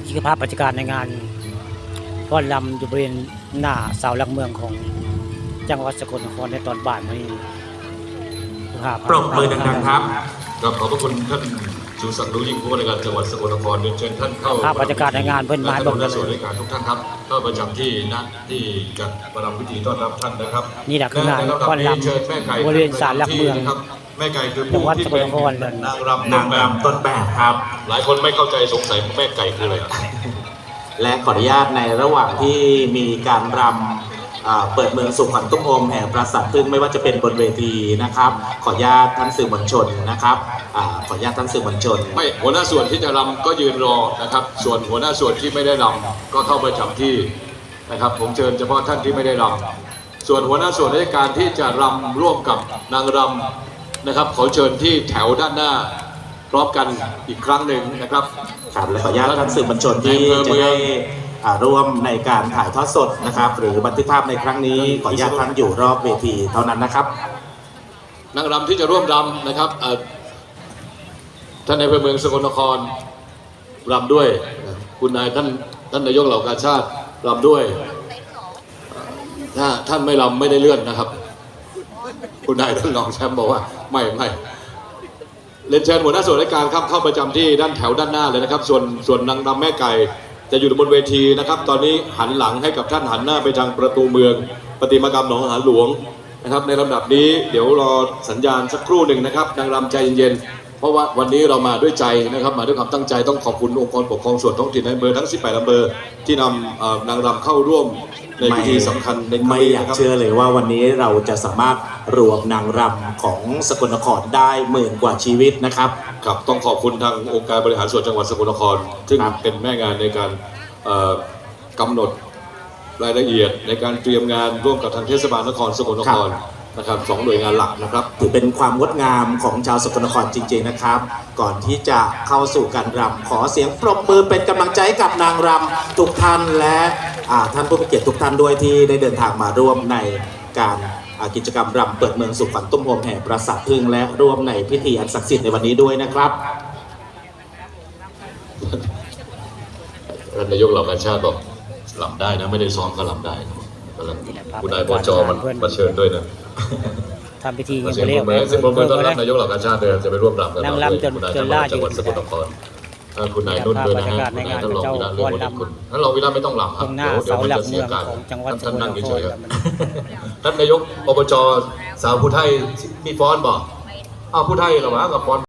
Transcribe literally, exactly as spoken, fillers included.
นี่คือภาพบรรยากาศในงานฟ้อนรำอยู่บริเวณหน้าเสาหลักเมืองของจังหวัดสกลนครในตอนบ่ายวันนี้ปรบมือดังๆครับครับขอบพระคุณท่านชูศักดิ์รู้ยิ่งผู้ว่าราชการจังหวัดสกลนครเชิญท่านเข้าภาพบรรยากาศในงานเพื่อนไม้บอกเลยส่วนราชการทุกท่านครับเข้าประจำที่ณที่จัดประรำพิธีต้อนรับท่านนะครับนี่แหละคืองานฟ้อนรำบริเวณศาลหลักเมืองแม่ไก่คือผู้ที่เป็นนางรำนางรำต้นแบบครับหลายคนไม่เข้าใจสงสัยแม่ไก่คืออะไรและขออนุญาตในระหว่างที่มีการรำเปิดเมืองสุขวัญตุ้มโฮมแห่งปราสาทพึ่งไม่ว่าจะเป็นบนเวทีนะครับขออนุญาตท่านสื่อมวลชนนะครับขออนุญาตท่านสื่อมวลชนไม่หัวหน้าส่วนที่จะรำก็ยืนรอนะครับส่วนหัวหน้าส่วนที่ไม่ได้รำก็เข้าประจำที่นะครับผมเชิญเฉพาะท่านที่ไม่ได้รำส่วนหัวหน้าส่วนราชการที่จะรำร่วมกับนางรำนะครับขอเชิญที่แถวด้านหน้าพร้อมกันอีกครั้งหนึ่งนะครับครับและขออนุญาตท่านสื่อมวลชนที่จะได้ร่วมในการถ่ายทอดสดนะครับหรือบันทึกภาพในครั้งนี้ขออนุญาตท่านอยู่รอบเวทีเท่านั้นนะครับนางรำที่จะร่วมรำนะครับท่านในอำเภอเมืองสกลนครรำด้วยคุณนายท่านท่านนายกเหล่ากาชาติรำด้วยถ้าท่านไม่รำไม่ได้เลื่อนนะครับคุณนายท่านรองแชมป์บอกว่าไม่ไม่เรียนเชิญหัวหน้าส่วนราชการครับเข้าประจำที่ด้านแถวด้านหน้าเลยนะครับส่วนส่วนนางรำแม่ไก่จะอยู่บนเวทีนะครับตอนนี้หันหลังให้กับท่านหันหน้าไปทางประตูเมืองประติมากรรมหนองหานหลวงนะครับในลำดับนี้เดี๋ยวรอสัญญาณสักครู่หนึ่งนะครับนางรำใจเย็นๆเพราะว่าวันนี้เรามาด้วยใจนะครับมาด้วยความตั้งใจต้องขอบคุณองค์กรปกครองส่วนท้องถิ่นในอำเภอทั้งสิบแปดอำเภอที่นำนางรำเข้าร่วมในพิธีสำคัญในไม่อยากเชื่อเลยว่าวันนี้เราจะสามารถรวมนางรำของสกลนครได้หมื่นกว่าชีวิตนะครับครับต้องขอบคุณทางองค์การบริหารส่วนจังหวัดสกลนครซึ่งเป็นแม่งานในการกำหนดรายละเอียดในการเตรียมงานร่วมกับทางเทศบาลนครสกลนครนะครับสองหน่วยงานหลักนะครับถือเป็นความงดงามของชาวสกลนครจริงๆนะครับก่อนที่จะเข้าสู่การรำขอเสียงปรบมือเป็นกำลังใจกับนางรำทุกท่านและท่านผู้มีเกียรติทุกท่านด้วยที่ได้เดินทางมาร่วมในการกิจกรรมรำเปิดเมืองสุขวัญตุ้มโฮมแห่งปราสาทพึ่งและร่วมในพิธีอันศักดิ์สิทธิ์ในวันนี้ด้วยนะครับท่านนายกเหล่ากาชาติบอกรำได้นะไม่ได้ซ้อมก็รำได้คุณนายปจมันมาเชิญด้วยนะทำพิธียังไม่เรียบซึ่งผมเป็นต้อนรับนายกเหล่ากาชาติเดินจะไปร่วมรำกันนางรำจนจนล่าจังหวัดสกลนครคุณนายนุ่นด้วยนะฮะคุณนายท่านรองวิระเรื่องวันคุณท่านรองวิระไม่ต้องรำครับเดี๋ยวเดี๋ยวมันจะเสียการท่านนั่งเฉยๆท่านนายกอบจสาวผู้ไทยมีฟ้อนบอกอ้าวผู้ไทยเหรอวะกับฟ้อน